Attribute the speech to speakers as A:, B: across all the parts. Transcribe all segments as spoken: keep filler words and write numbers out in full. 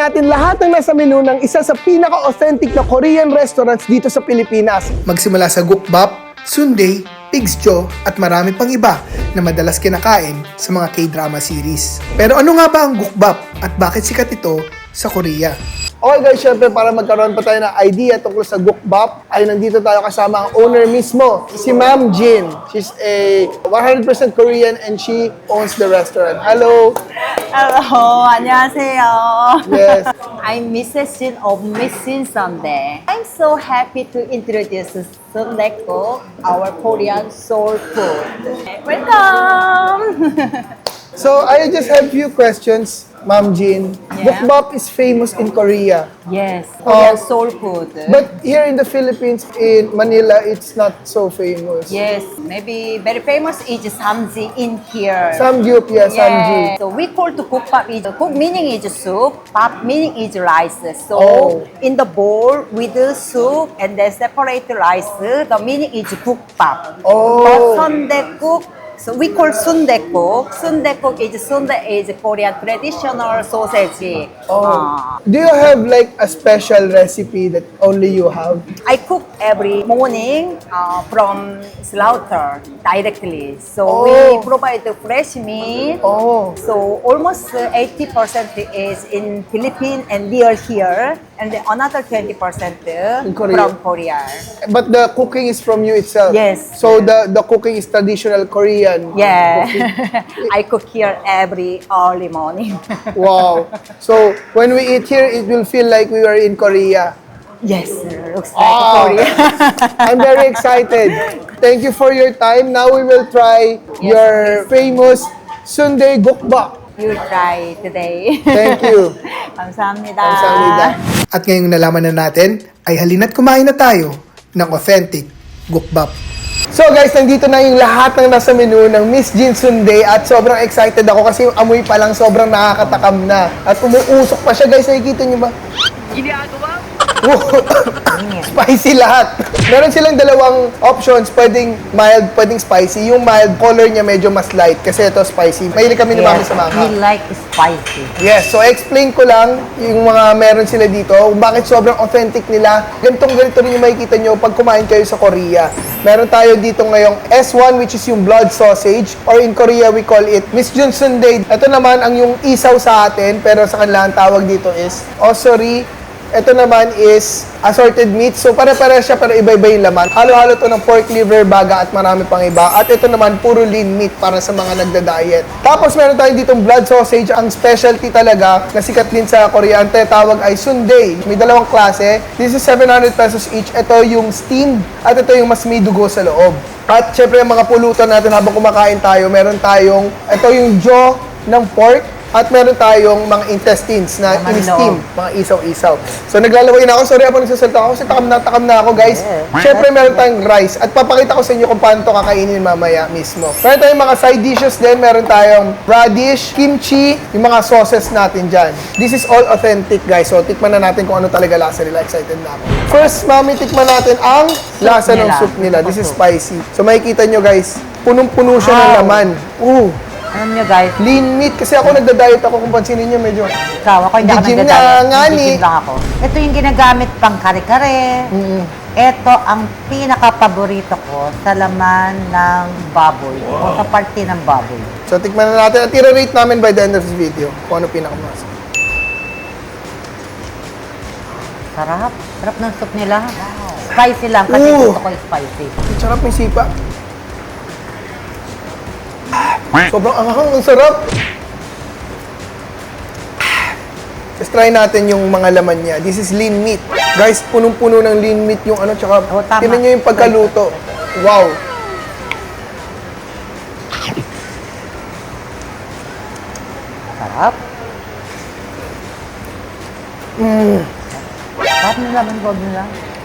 A: natin lahat ng nasa menu ng isa sa pinaka-authentic na Korean restaurants dito sa Pilipinas. Magsimula sa gukbap, sundae, pig's jaw, at marami pang iba na madalas kinakain sa mga K-drama series. Pero ano nga ba ang gukbap at bakit sikat ito sa Korea? Okay guys, syempre para magkaroon pa tayo ng idea tungkol sa gukbap, ay nandito tayo kasama ang owner mismo, si Ma'am Jin. She's a one hundred percent Korean and she owns the restaurant. Hello!
B: Hello, 안녕하세요.
A: Yes.
B: I'm Missus Jin of Miss Jin Sunday. I'm so happy to introduce Sundae Cook, our Korean soul food. Welcome!
A: So, I just have few questions, Ma'am Jin.
B: Yeah.
A: Gukbap is famous in Korea.
B: Yes, Korean
A: Oh.
B: soul food.
A: But here in the Philippines, in Manila, it's not so famous.
B: Yes, maybe very famous is samji in here.
A: Samgyup, yeah, samji.
B: Yeah. So we call to cook pap is cook meaning is soup, pap meaning is rice. So
A: Oh.
B: in the bowl with the soup and then separate the rice, the meaning is cook pap.
A: Oh.
B: But Sundae cook, so we call Sundae cook. Sundae cook is Sundae is Korean traditional sausage.
A: Oh.
B: Uh,
A: Do you have like a special recipe that only you have?
B: I cook every morning uh, from slaughter directly. So
A: Oh.
B: we provide the fresh meat.
A: Oh.
B: So almost uh, eighty percent is in Philippines and near here, and then another twenty percent uh,
A: In Korea.
B: from Korea.
A: But the cooking is from you itself?
B: Yes.
A: So the, the cooking is traditional Korean?
B: Yeah, I cook here every early morning.
A: Wow. So when we eat here, it will feel like we were in Korea.
B: Yes, looks like
A: Ah.
B: Korea.
A: I'm very excited. Thank you for your time. Now we will try your famous Sundae gukbap.
B: You try today.
A: Thank you.
B: 감사합니다.
A: Kamsahamnida. At ngayong nalaman na natin, ay halina't kumain na tayo ng authentic gukbap. So guys, nandito na yung lahat ng nasa menu ng Miss Jin Sundae at sobrang excited ako kasi yung amoy pa lang sobrang nakakatakam na. At umuusok pa siya guys, nakikita niyo ba? Ginagawa? Spicy lahat. Meron silang dalawang options, pwedeng mild, pwedeng spicy. Yung mild, color niya medyo mas light kasi ito spicy. Mahilig kami ni Mami sa mangha.
B: we like spicy.
A: Yes, so explain ko lang yung mga meron sila dito, kung bakit sobrang authentic nila. Ganitong ganito rin yung makikita nyo pag kumain kayo sa Korea. Meron tayo dito ngayong S one which is yung blood sausage or in Korea we call it Miss Jin Sundae. Ito naman ang yung isaw sa atin pero sa kanila ang tawag dito is osori. Ito naman is assorted meat. So, pare-pare siya pero iba-iba yung laman. Halo-halo to ng pork liver, baga at marami pang iba. At ito naman, puro lean meat para sa mga nagda-diet. Tapos, meron tayo ditong blood sausage. Ang specialty talaga na sikat din sa Korea, ang tawag ay sundae. May dalawang klase. This is seven hundred pesos each. Ito yung steamed at ito yung mas may dugo sa loob. At syempre, ang mga pulutan natin habang kumakain tayo, meron tayong, ito yung jaw ng pork. At meron tayong mga intestines na
B: Naman
A: in-steam,
B: loob.
A: mga isaw-isaw. So naglalaway na ako. Sorry ako nagsasalita ako kasi takam na takam na ako guys.
B: Yeah.
A: Siyempre meron tayong rice. At papakita ko sa inyo kung paano ito kakainin mamaya mismo. Meron tayong mga side dishes din. Meron tayong radish, kimchi, yung mga sauces natin dyan. This is all authentic guys. So tikman na natin kung ano talaga lasa nila. Excited na ako. First, mami, tikman natin ang lasa ng
B: nila.
A: soup nila. This is
B: Soup.
A: spicy. So makikita nyo guys, punong-puno siya ng
B: Wow.
A: laman. Ooh.
B: Alam nyo guys,
A: Lean meat. Kasi ako nagda-diet ako kung pansinin nyo medyo.
B: ikaw, ako hindi ako
A: Nag-gym
B: nagdadaya.
A: na, nga ni.
B: Nag-gym lang ako. Ito yung ginagamit pang kare-kare.
A: Mm.
B: Ito ang pinaka-paborito ko sa laman ng baboy. O sa parte ng baboy.
A: So, tikman na natin at i-rate namin by the end of this video kung ano pinakamas.
B: Sarap. Sarap ng soup nila. Spicy lang kasi
A: Ooh.
B: gusto ko yung spicy.
A: Ang sarap ng sipa. Sobrang anghang, ang sarap. Let's try natin yung mga laman niya. This is lean meat. Guys, punong-puno ng lean meat yung ano, tsaka
B: Oh, tama.
A: tingnan nyo yung pagkaluto. Wow.
B: Sarap.
A: Mm.
B: Sarap ng laman loob nila.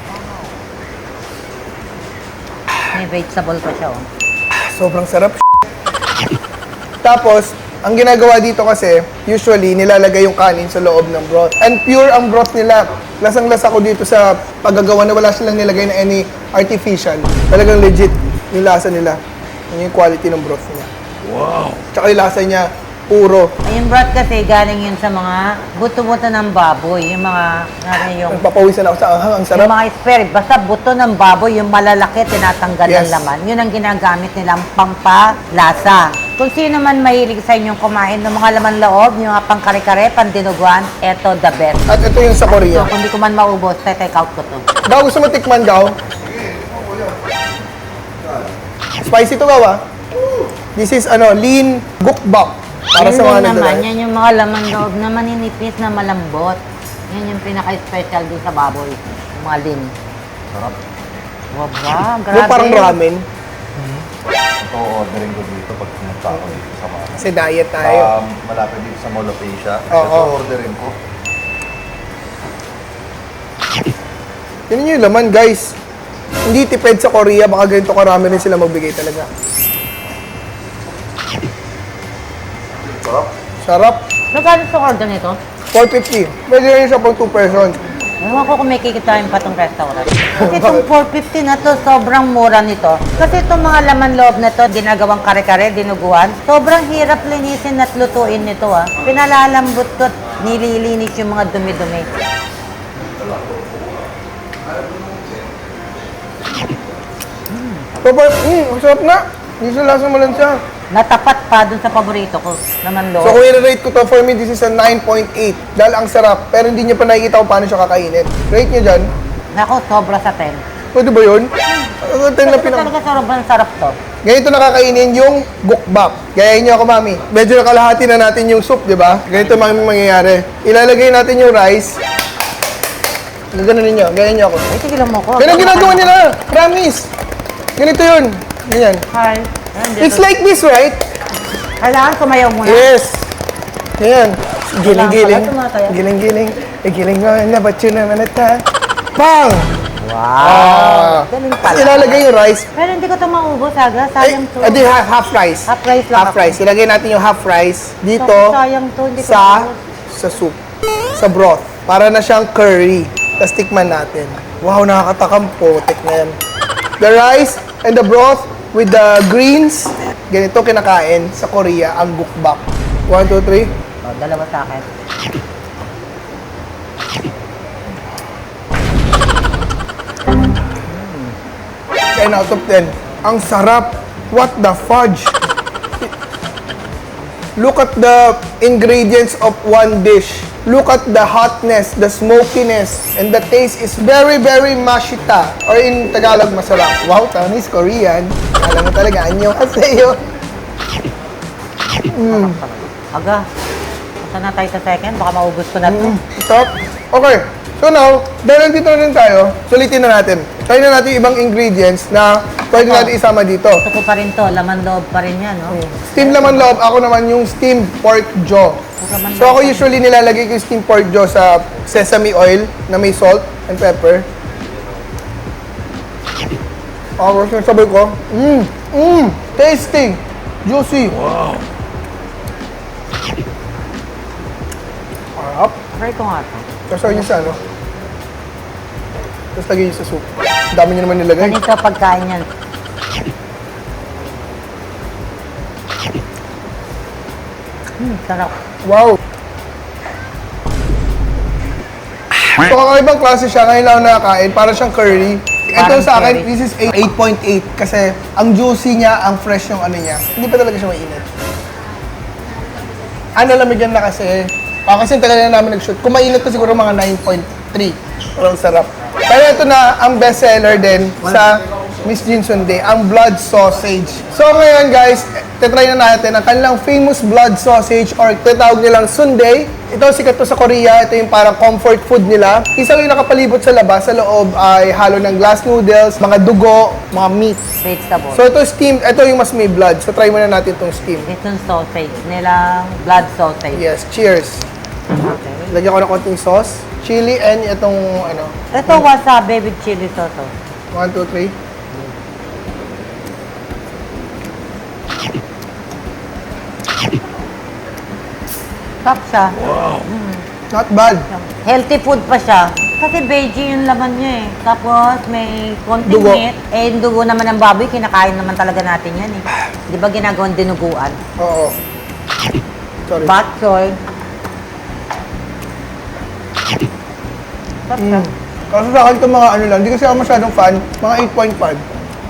B: May vegetable pa siya, oh.
A: Sobrang sarap. Tapos, ang ginagawa dito kasi, usually, nilalagay yung kanin sa loob ng broth. And pure ang broth nila. Lasang-lasa ko dito sa paggagawa na wala silang nilagay na any artificial. Talagang legit yung lasa nila. Yun yung quality ng broth niya. Wow! Tsaka yung lasa niya, puro.
C: Yung broth kasi galing yun sa mga buto-buto ng baboy. Yung mga, ano yung,
A: Nagpapawisan ako sa anghang, ang
C: yung
A: sarap.
C: mga spare, basta buto ng baboy, yung malalaki, tinatanggal
A: Yes.
C: ng laman. Yun ang ginagamit nilang pampalasa. Kung sino man mahilig sa inyong kumain ng mga laman loob, yung mga pangkare-kare, pandinuguan, eto the best.
A: At ito yung sa
C: So,
A: Korea.
C: kung di ko man maubos, take out ko to.
A: Gaw, gusto mo tikman, Gaw? Spicy to, Gaw, ah. This is, ano, lean gukbap. Para
C: Yun
A: sa mga
C: din naman,
A: nagdadaya.
C: yan yung mga laman loob na maninipis na malambot. Yan yung pinaka-special dun sa baboy. Yung mga lean.
D: Sarap.
C: Waba, grabe.
A: Yung parang ramen.
D: Ito ordering ko dito pag pumunta ako dito sa mga
A: Kasi diet tayo.
D: um, malapit dito sa Mall of Asia.
A: Oo.
D: Ito ordering ko.
A: Yun yung laman, guys. Hindi tipid sa Korea, baka ganito karami rin sila magbigay talaga.
D: Sarap.
A: Sarap.
C: Magkano sa order nito?
A: four fifty. Pwede rin siya pang two person.
C: Ewan ko kung may kikitain pa tong restaurant. Kasi itong four fifty na to, sobrang mura nito. Kasi itong mga laman loob na to, ginagawang kare-kare, dinuguan, sobrang hirap linisin at lutuin nito ah. Pinalalambot ko at nililinis yung mga dumi-dumi.
A: So, par- mm, ang sarap na. Hindi siya lasang malansa.
C: Natapat pa dun sa paborito ko, laman
A: So,
C: loob.
A: kung i-rate ko to, for me, this is a nine point eight. Dahil ang sarap, pero hindi niyo pa nakikita kung paano siya kakainin. Rate niyo dyan.
C: Nako, sobra sa ten.
A: Pwede ba yun? Ang ten na
C: Ito
A: pinaka...
C: talaga sobrang sarap to.
A: Ganito nakakainin yung gukbap. Gayahin niyo ako, mami. Medyo nakalahati na natin yung soup, di ba? Ganito mami mangyayari. Ilalagay natin yung rice. Ganun ninyo. Gayahin niyo ako.
C: Ay, tigilan mo ko.
A: Ganun ginagawa nila. Promise. Ganito yun. Ganyan.
C: Hi. Ayun, dito.
A: It's like this, right?
C: Kailangan kumayaw muna.
A: Yes. Ganyan. Giling-giling.
C: Wala, tumataya.
A: Giling-giling. Eh, giling mo na, ba't yun naman ata? Bang!
C: Wow.
A: Ah.
C: Galing pala.
A: Ilalagay yung rice.
C: Pero hindi ko ito maubos, aga.
A: Ay,
C: Sayang to.
A: adi, half, half rice.
C: Half rice lang
A: Half
C: ako.
A: rice. Ilagay natin yung half rice dito
C: Sabi, sayang to, hindi ko
A: sa
C: maubos.
A: sa soup. Sa broth. Para na siyang curry. Tapos tikman natin. Wow, nakakatakam po. Tikman. The rice and the broth with the greens. Ganito kinakain sa Korea ang gukbap. One, two, three.
C: Oh, dalawa sa akin.
A: ten out of ten. Ang sarap. What the fudge? Look at the ingredients of one dish. Look at the hotness, the smokiness, and the taste is very, very mashita. Or in Tagalog, masarap. Wow, Taiwanese, Korean. Alam mo talaga, anyo kasayo.
C: Aga. Punta na tayo sa second. Baka maubos ko na to.
A: Stop. Okay. So now, dahil nandito na rin tayo, sulitin na natin. Try na natin yung ibang ingredients na pwede natin isama dito.
C: Gusto ko pa rin to. Laman loob pa rin yan, no?
A: Steam laman loob, ako naman yung steamed pork jaw.
C: Laman
A: So ako usually nilalagay ko yung steamed pork jaw sa sesame oil na may salt and pepper. Ako yung sabay ko. Mmm! Mmm! Tasty! Juicy! Wow! Harap.
C: Try ko nga to.
A: Tapos lagyan niyo sa ano? Tapos lagyan niyo sa soup. Ang dami niyo naman nilagay.
C: Ganito pagkain yan. Hmm, sarap.
A: Wow! So, kakaibang klase siya. Ngayon lang ako nakakain. Para siyang curry. Ito
C: Parang
A: sa akin,
C: curry.
A: this is eight point eight. Kasi, ang juicy niya, ang fresh yung ano niya. Hindi pa talaga siya mainit. Ano, lamigyan na kasi. Ah, kasi tagal na namin nag-shoot. Kung mainit to siguro mga nine point three. Pero ang sarap. Pero ito na, ang best seller din sa Miss Jin Sundae, ang blood sausage. So ngayon guys, tetry na natin ang kanilang famous blood sausage or tinatawag nilang sundae. Ito sikat to sa Korea, ito yung parang comfort food nila. Isang yung nakapalibot sa labas, sa loob ay halo ng glass noodles, mga dugo, mga meat.
C: Vegetable.
A: So ito steamed, ito yung mas may blood. So try muna natin itong steam.
C: Itong sausage nilang blood sausage.
A: Yes, cheers.
C: Okay.
A: Lagyan ko ng konting sauce, chili, and itong ano,
C: Ito wasabi with chili sauce. oh.
A: one, two, three.
C: Sarap siya.
A: Not bad.
C: Healthy food pa siya. Kasi veggie yung laman niya eh. Tapos may konting
A: Dugo.
C: meat. Eh, yung dugo naman ng baboy, kinakain naman talaga natin yan eh. Di ba ginagawang dinuguan?
A: Oo. Sorry.
C: Bok choy. Sarap siya.
A: Kasi sa akin itong mga ano lang, hindi kasi ako masyadong fan, mga eight point five.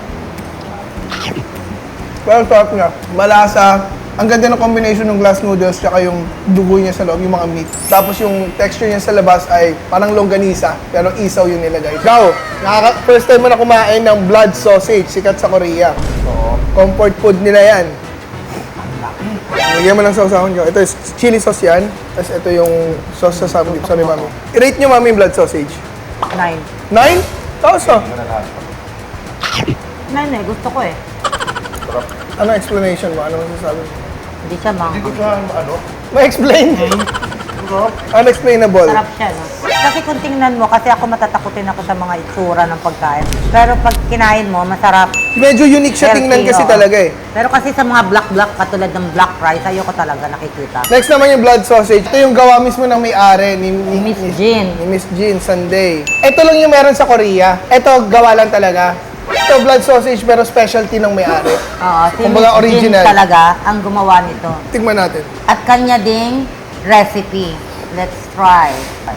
A: Pero sarap niya. Malasa. Ang ganda ng combination ng glass noodles tsaka yung dugo niya sa loob, yung mga meat. Tapos yung texture niya sa labas ay parang longganisa, pero isaw yung nilagay. Ikaw, nakaka- first time mo na kumain ng blood sausage, sikat sa Korea.
D: Oo.
A: Comfort food nila yan. Lagyan mo ng sausawan nyo. Ito is chili sauce yan. Tapos ito yung sauce sa samgip. Sorry, mami. I-rate nyo, mami, yung blood sausage.
C: Nine.
A: Nine? Tapos oh.
D: Hindi mo na lahat.
C: Nine eh, gusto ko eh.
D: Sarap.
A: Ano explanation mo? Ano masasabi mo?
C: Hindi siya mang.
D: Hindi ko siya, ano,
A: Ma-explain.
D: sarap.
A: Unexplainable.
C: Sarap siya, no? Kasi kung tingnan mo, kasi ako matatakutin ako sa mga itsura ng pagkain. Pero pag kinain mo, masarap.
A: Medyo unique siya tingnan
C: Healthy,
A: kasi
C: oo.
A: talaga eh.
C: Pero kasi sa mga black-black, katulad ng black rice, ayoko talaga nakikita.
A: Next naman yung blood sausage. Ito yung gawa mismo ng may-ari ni, ni,
C: Miss Jean.
A: ni Miss Jean Sunday. Ito lang yung meron sa Korea. Ito, gawa lang talaga. Ito, blood sausage pero specialty ng may-ari.
C: Oo, si
A: Kumbaga
C: Miss
A: original.
C: Jean talaga ang gumawa nito.
A: Tingnan natin.
C: At kanya ding recipe. Let's try.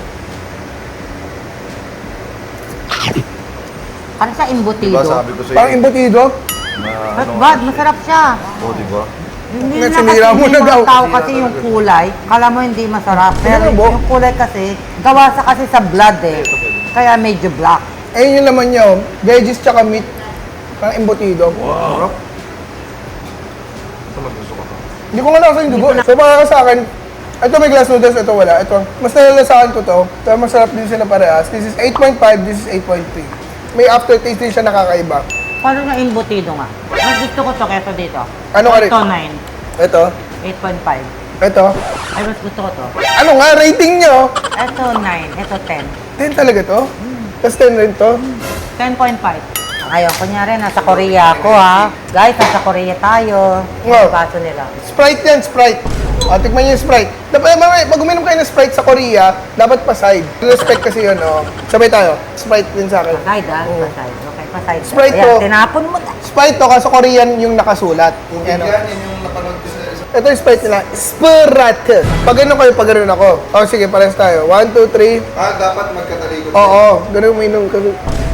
C: Parang sa imbutido.
D: Diba sabi ko sa'yo,
A: Parang imbutido.
D: na
C: But
D: ano,
C: bad, masarap siya.
D: oo, diba?
C: Hindi
A: Ngayon,
C: na kasi
A: sinira mo
C: yung
A: na
C: mga
A: daw.
C: tao kasi yung kulay, kala mo hindi masarap. Pero
A: Ano ba?
C: yung kulay kasi, gawa sa kasi sa blood eh. Kaya medyo black.
A: Ayun yung laman niya, oh. Veggies tsaka meat. Parang imbutido.
D: Sarap. Ito lang gusto ko to.
A: Hindi ko nga nakasa yung dugo. So para sa akin, ito may glass noodles, ito wala. Ito, mas nalalasahan ko to. Pero masarap din sila parehas. This is eight point five, this is eight point three. May aftertaste din siya nakakaiba.
C: Parang na imbutido nga. Mas gusto ko to kesa dito.
A: Ano ka rin?
C: Ito nine.
A: Ito,
C: eight point five.
A: ito.
C: Ay, mas gusto ko to.
A: Ano nga, rating nyo?
C: Ito nine. Ito ten.
A: ten talaga to? Tapos ten rin to?
C: ten point five. Ngayon, kunyari, nasa Korea ako ha. Guys, nasa Korea tayo.
A: Wow.
C: Yung kaso nila.
A: Sprite yan, Sprite. O, tikman nyo yung Sprite. Dapat, mamay, pag uminom kayo ng Sprite sa Korea, dapat pa-side. Respect kasi yun, o. Sabay tayo. Sprite din sa akin.
C: Paside ha?
A: Oo.
C: Paside. Okay, paside.
A: Sprite
C: Ayan,
A: to.
C: tinapon mo na.
A: Sprite to, kaso Korean yung nakasulat. Yan, o.
D: Yan, yan yung napanood ko sa isa.
A: Ito yung Sprite nila, Sprite. Pag ganun kayo, pag ganun ako. O, sige, parehas tayo. One, two, three.
D: Ah, dapat magkatalikod.
A: Oo, ganun uminom ka.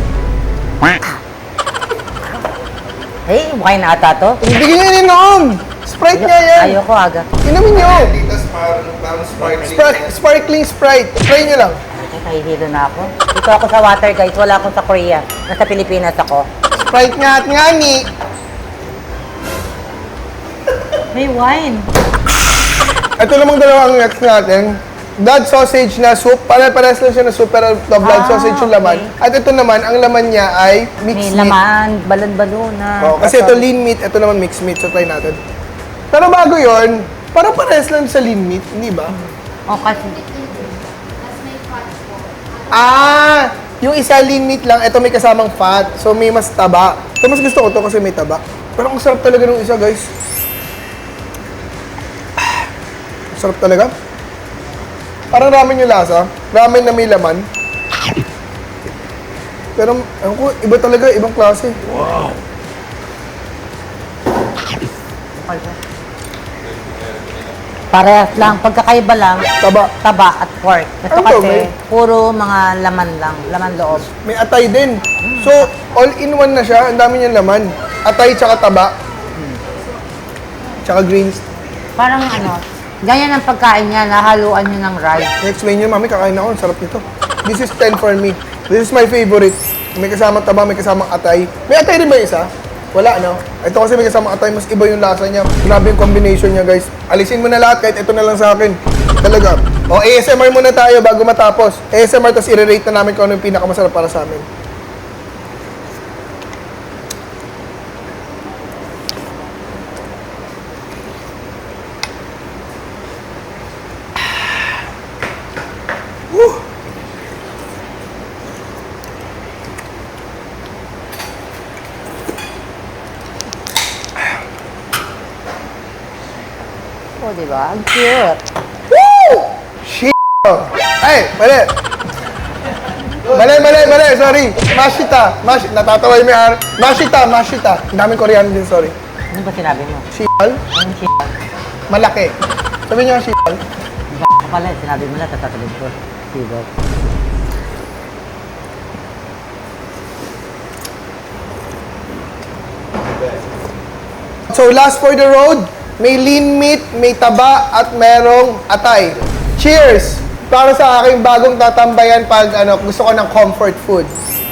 C: Hey, wine ata to.
A: Hindi nyo ininom! Sprite nga yan!
C: Ayoko aga.
A: Inumin nyo!
D: Titas parang, parang sparkling.
A: Spar- sparkling Sprite. Try nyo lang.
C: Ay, nahihilo na ako. Dito ako sa water guys. Wala akong sa Korea. Nasa Pilipinas ako.
A: Sprite nga at nga ni.
C: May wine.
A: Ito namang dalawang next natin. Blood sausage na soup. Pare-pares lang siya na soup pero the blood
C: Ah,
A: sausage yung laman.
C: okay.
A: At ito naman, ang laman niya ay
C: May
A: mixed meat.
C: laman, balon-balona.
A: Oh, kasi ito lean meat, ito naman mixed meat. So try natin. Pero bago yon, parang pares lang sa lean meat, hindi ba?
C: Oh, kasi
A: Ah! Yung isa lean meat lang, ito may kasamang fat. So may mas taba. So mas gusto ko to kasi may taba. Pero ang sarap talaga ng isa, guys. Ah, sarap talaga. Parang ramen yung lasa. Ramen na may laman. Pero, ewan ko, iba talaga, ibang klase.
C: parehas lang. Pagkakaiba lang,
A: Taba.
C: taba at pork. Ito
A: Ano to,
C: kasi,
A: may-
C: puro mga laman lang. Laman loob.
A: May atay din. So, all-in-one na siya. Ang dami niyang laman. Atay tsaka taba. Tsaka greens.
C: Parang ano, ganyan ang pagkain niya, nahaluan niyo ng rice.
A: I-explain niyo, mami, kakain ako. Ang sarap nito. This is ten for me. This is my favorite. May kasamang taba, may kasamang atay. May atay rin ba yung isa? Wala, no? Ito kasi may kasamang atay, mas iba yung lasa niya. Grabe yung combination niya, guys. Alisin mo na lahat, kahit ito na lang sa akin. Talaga. O, A S M R muna tayo bago matapos. A S M R, tapos i-rate na namin kung ano yung pinakamasarap para sa amin. Woo!
C: Oh, di ba? Ang cute.
A: Woo! Shit! Ay, mali! Mali, mali, mali, sorry. Mashita. Mash, natatawa yung may ar. Mashita, mashita. Ang daming Koreano din, sorry.
C: Ano ba sinabi mo?
A: Shal,
C: Anong shit?
A: malaki. Sabi niya, sibol.
C: Ako pala, sinabi mo na, tatatalib ko. Sibol.
A: So last for the road, may lean meat, may taba, at merong atay. Cheers! Para sa aking bagong tatambayan pag ano, gusto ko ng comfort food.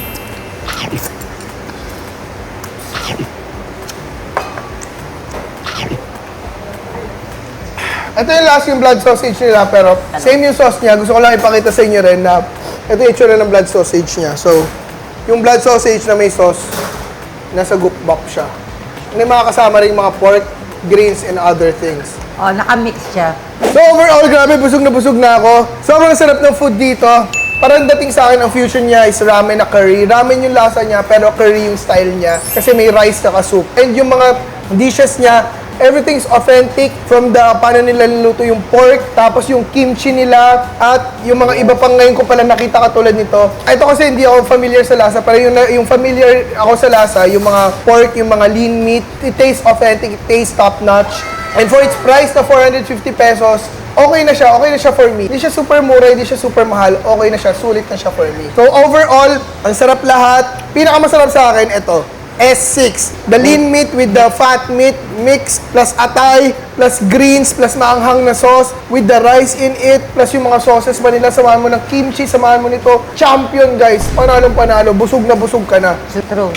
A: Ito yung last yung blood sausage nila, pero same yung sauce niya. Gusto ko lang ipakita sa inyo rin na ito yung itsura ng blood sausage niya. So, yung blood sausage na may sauce, nasa gupbap siya. May mga kasama rin mga pork, greens, and other things.
C: Oh, nakamix siya.
A: So overall, grabe, busog na busog na ako. Sobrang sarap ng food dito. Parang dating sa akin, ang fusion niya is ramen na curry. Ramen yung lasa niya, pero curry yung style niya. Kasi may rice na soup. And yung mga dishes niya, everything's authentic. From the paano nila niluto yung pork, tapos yung kimchi nila, at yung mga iba pang ngayon ko pala nakita katulad nito. Ito kasi hindi ako familiar sa lasa, pero yung, yung familiar ako sa lasa, yung mga pork, yung mga lean meat, it tastes authentic, it tastes top-notch. And for its price na four hundred fifty pesos, okay na siya, okay na siya for me. Hindi siya super mura, hindi siya super mahal, okay na siya, sulit na siya for me. So overall, ang sarap lahat. Pinakamasarap sa akin, ito, S six. The lean meat with the fat meat mix, plus atay, plus greens, plus maanghang na sauce, with the rice in it, plus yung mga sauces pa nila, samahan mo ng kimchi, samahan mo nito. Champion, guys. Panalong panalo, busog na busog ka na.
C: True.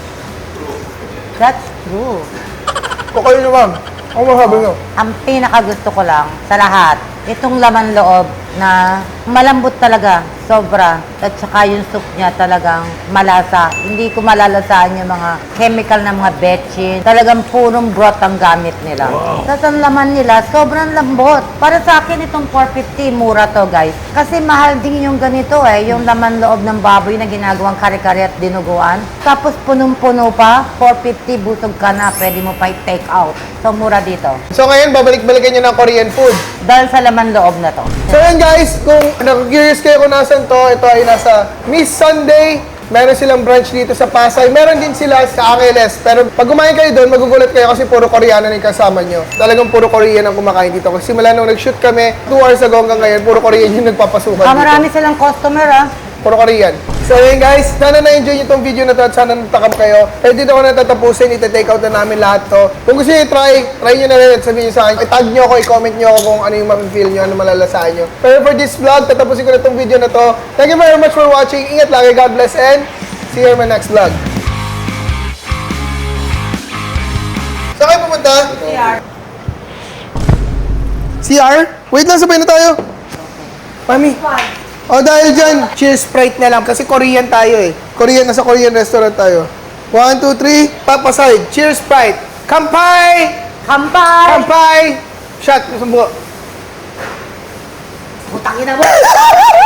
C: That's true.
A: O kayo naman, ano masabi nyo?
C: Ang pinakagusto ko lang sa lahat, itong laman loob na malambot talaga, sobra. At saka yung soup niya talagang malasa. Hindi ko malalasaan yung mga chemical na mga betchin. Talagang purong broth ang gamit nila. Tapos ang laman nila, sobrang lambot. Para sa akin itong four fifty, mura to guys. Kasi mahal din yung ganito eh, yung laman loob ng baboy na ginagawang kare-kare at dinuguan. Tapos punong-puno pa, four fifty, busog ka na, pwede mo pa i-take out. So mura dito.
A: So ngayon, babalik-balikan nyo ng Korean food.
C: Dahil sa laman loob na to.
A: So yun guys, kung nag-curious kayo kung nasan to, ito ay nasa Miss Sunday. Meron silang branch dito sa Pasay. Meron din sila sa Angeles. Pero pag kumain kayo doon, magugulat kayo kasi puro Koreano na yung kasama nyo. Talagang puro Korean ang kumakain dito. Kasi simula nung nag-shoot kami, two hours ago hanggang ngayon, puro Korean yung nagpapasukan
C: Ah,
A: dito.
C: marami silang customer ah.
A: Puro Korean. So yun guys, sana na-enjoy nyo itong video na to at sana natakam kayo. Kaya dito ko natatapusin, ita-take out na namin lahat to. Kung gusto nyo i-try, try nyo na rin at sabihin nyo sa akin. I-tag nyo ako, i-comment nyo ako kung ano yung ma-feel nyo, ano malalasaan nyo. Pero for this vlog, tatapusin ko na itong video na to. Thank you very much for watching. Ingat lagi, God bless, and see you in my next vlog. Saan kayo pumunta? C R. C R? Wait lang, sabay na tayo. Mami. O dahil dyan, cheers Sprite na lang kasi Korean tayo eh. Korean, nasa Korean restaurant tayo. One, two, three, papaside. Cheers Sprite. Kampai!
C: Kampay!
A: Kampai! Shot, isang buo.
C: Putangin na mo!